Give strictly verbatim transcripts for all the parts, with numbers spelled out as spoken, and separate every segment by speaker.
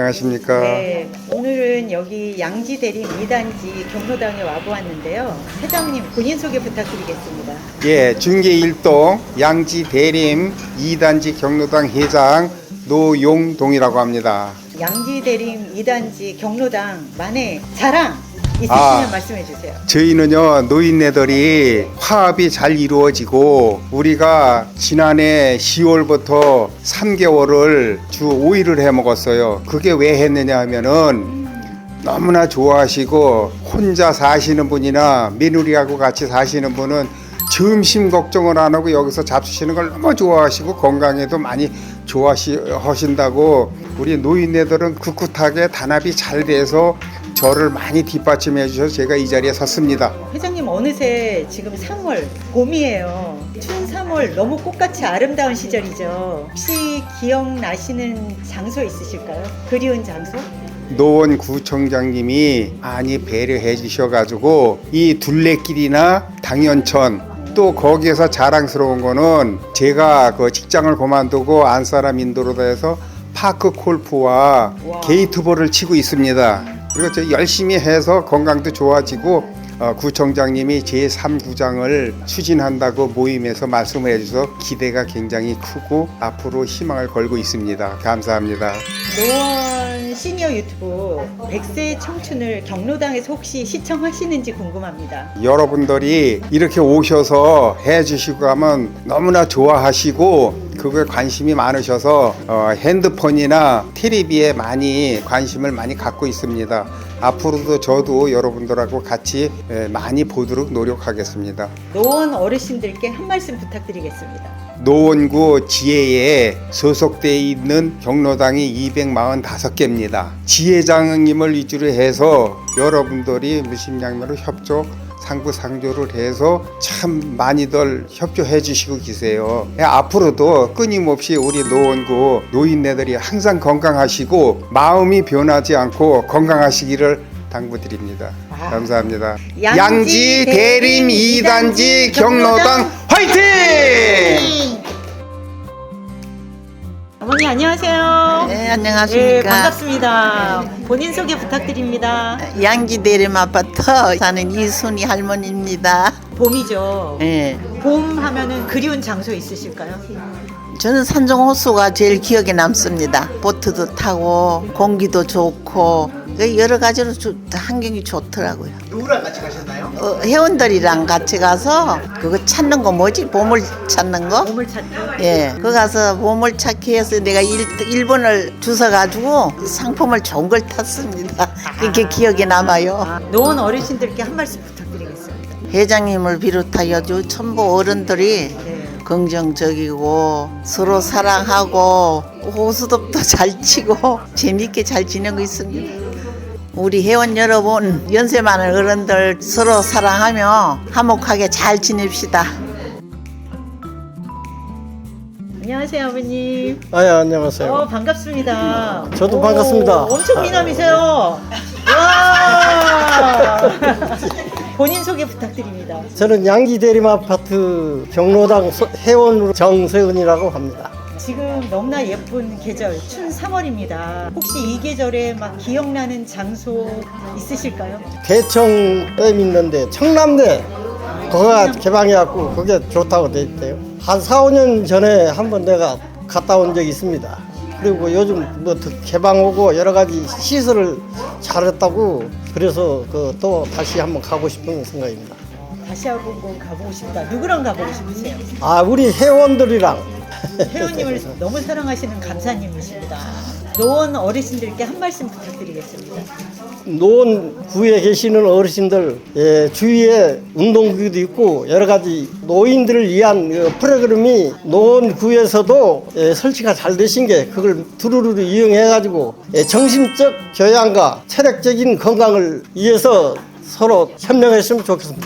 Speaker 1: 안녕하십니까.
Speaker 2: 네, 오늘은 여기 양지대림 이 단지 경로당에 와보았는데요. 회장님 본인 소개 부탁드리겠습니다.
Speaker 1: 예, 중계 일 동 양지 대림 이 단지 경로당 회장 노용동이라고 합니다.
Speaker 2: 양지대림 이 단지 경로당만의 자랑 있으시면
Speaker 1: 아.
Speaker 2: 말씀해 주세요.
Speaker 1: 저희는요, 노인네들이 화합이 잘 이루어지고 우리가 지난해 시월부터 삼 개월을 주 오 일을 해 먹었어요. 그게 왜 했느냐 하면은 너무나 좋아하시고 혼자 사시는 분이나 며느리하고 같이 사시는 분은 점심 걱정을 안 하고 여기서 잡수시는 걸 너무 좋아하시고 건강에도 많이 좋아하신다고 우리 노인네들은 꿋꿋하게 단합이 잘 돼서 저를 많이 뒷받침해 주셔서 제가 이 자리에 섰습니다.
Speaker 2: 회장님 어느새 지금 삼월 봄이에요. 춘 삼월 너무 꽃같이 아름다운 시절이죠. 혹시 기억나시는 장소 있으실까요? 그리운 장소?
Speaker 1: 노원 구청장님이 많이 배려해 주셔가지고 이 둘레길이나 당연천 또 거기에서 자랑스러운 거는 제가 그 직장을 그만두고 안사람 인도로 해서 파크 골프와
Speaker 2: 와.
Speaker 1: 게이트볼을 치고 있습니다. 그리고 저 열심히 해서 건강도 좋아지고 어, 구청장님이 제삼 구장을 추진한다고 모임에서 말씀을 해주셔서 기대가 굉장히 크고 앞으로 희망을 걸고 있습니다. 감사합니다.
Speaker 2: 노원 시니어 유튜브 백 세 청춘을 경로당에서 혹시 시청하시는지 궁금합니다.
Speaker 1: 여러분들이 이렇게 오셔서 해주시고 하면 너무나 좋아하시고 그거에 관심이 많으셔서 어, 핸드폰이나 텔레비에 많이 관심을 많이 갖고 있습니다. 앞으로도 저도 여러분들하고 같이 에, 많이 보도록 노력하겠습니다.
Speaker 2: 노원 어르신들께 한 말씀 부탁드리겠습니다.
Speaker 1: 노원구 지혜에 소속되어 있는 경로당이 이백사십오 개입니다. 지혜장님을 위주로 해서 여러분들이 무심양면으로 협조 상부상조를 해서 참 많이들 협조해 주시고 계세요. 앞으로도 끊임없이 우리 노원구 노인네들이 항상 건강하시고 마음이 변하지 않고 건강하시기를 당부드립니다.
Speaker 2: 아.
Speaker 1: 감사합니다.
Speaker 2: 양지
Speaker 1: 양지 대림 이 단지 경로당 화이팅!
Speaker 2: 어머니 안녕하세요.
Speaker 3: 네, 안녕하십니까.
Speaker 2: 네, 반갑습니다. 본인 소개 부탁드립니다.
Speaker 3: 양지대림 아파트 사는 이순희 할머니입니다.
Speaker 2: 봄이죠.
Speaker 3: 네.
Speaker 2: 봄 하면은 그리운 장소 있으실까요?
Speaker 3: 저는 산정호수가 제일 기억에 남습니다. 보트도 타고 공기도 좋고 여러 가지로 조, 환경이 좋더라고요.
Speaker 4: 누구랑 같이 가셨나요?
Speaker 3: 어, 회원들이랑 같이 가서 그거 찾는 거 뭐지? 보물 찾는 거?
Speaker 2: 봄을 찾기.
Speaker 3: 예, 그 가서 보물 찾기 해서 내가 일 번을 주워가지고 상품을 좋은 걸 탔습니다. 그게 기억에 남아요.
Speaker 2: 아, 노원 어르신들께 한 말씀 부탁드리겠습니다.
Speaker 3: 회장님을 비롯하여 전부 어른들이
Speaker 2: 네.
Speaker 3: 긍정적이고 서로 사랑하고 호수덥도 잘 치고 재밌게 잘 지내고 있습니다. 우리 회원 여러분, 연세 많은 어른들 서로 사랑하며 화목하게 잘 지냅시다.
Speaker 2: 안녕하세요 아버님.
Speaker 4: 아, 예, 안녕하세요.
Speaker 2: 어, 반갑습니다.
Speaker 4: 저도
Speaker 2: 오,
Speaker 4: 반갑습니다.
Speaker 2: 엄청 미남이세요. 와. 본인 소개 부탁드립니다.
Speaker 4: 저는 양지대림 아파트 경로당 소- 회원 정세은이라고 합니다.
Speaker 2: 지금 너무나 예쁜 계절 춘 삼월입니다. 혹시 이 계절에 막 기억나는 장소 있으실까요?
Speaker 4: 대청댐 있는데 청남대 거기가 개방해갖고 그게 좋다고 돼 있대요. 한 사, 오 년 전에 한번 내가 갔다 온 적이 있습니다. 그리고 요즘 뭐 개방 오고 여러 가지 시설을 잘했다고 그래서 그 또 다시 한번 가고 싶은 생각입니다.
Speaker 2: 다시 한번 가보고 싶다. 누구랑 가보고 싶으세요?
Speaker 4: 아, 우리 회원들이랑
Speaker 2: 회원님을 너무 사랑하시는 감사님이십니다. 노원 어르신들께 한 말씀 부탁드리겠습니다.
Speaker 4: 노원구에 계시는 어르신들, 예, 주위에 운동기구도 있고 여러 가지 노인들을 위한 그 프로그램이 노원구에서도 예, 설치가 잘 되신 게 그걸 두루루루 이용해 가지고 예, 정신적 교양과 체력적인 건강을 위해서 서로 협력했으면 좋겠습니다.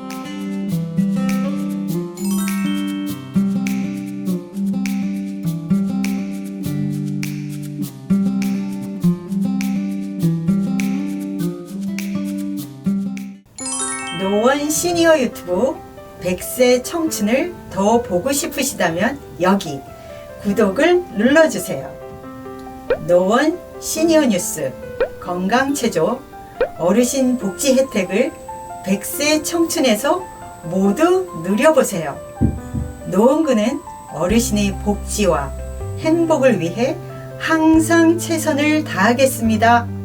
Speaker 2: 노원 시니어 유튜브 백 세 청춘을 더 보고 싶으시다면 여기 구독을 눌러주세요. 노원 시니어 뉴스, 건강체조, 어르신 복지 혜택을 백 세 청춘에서 모두 누려보세요. 노원구는 어르신의 복지와 행복을 위해 항상 최선을 다하겠습니다.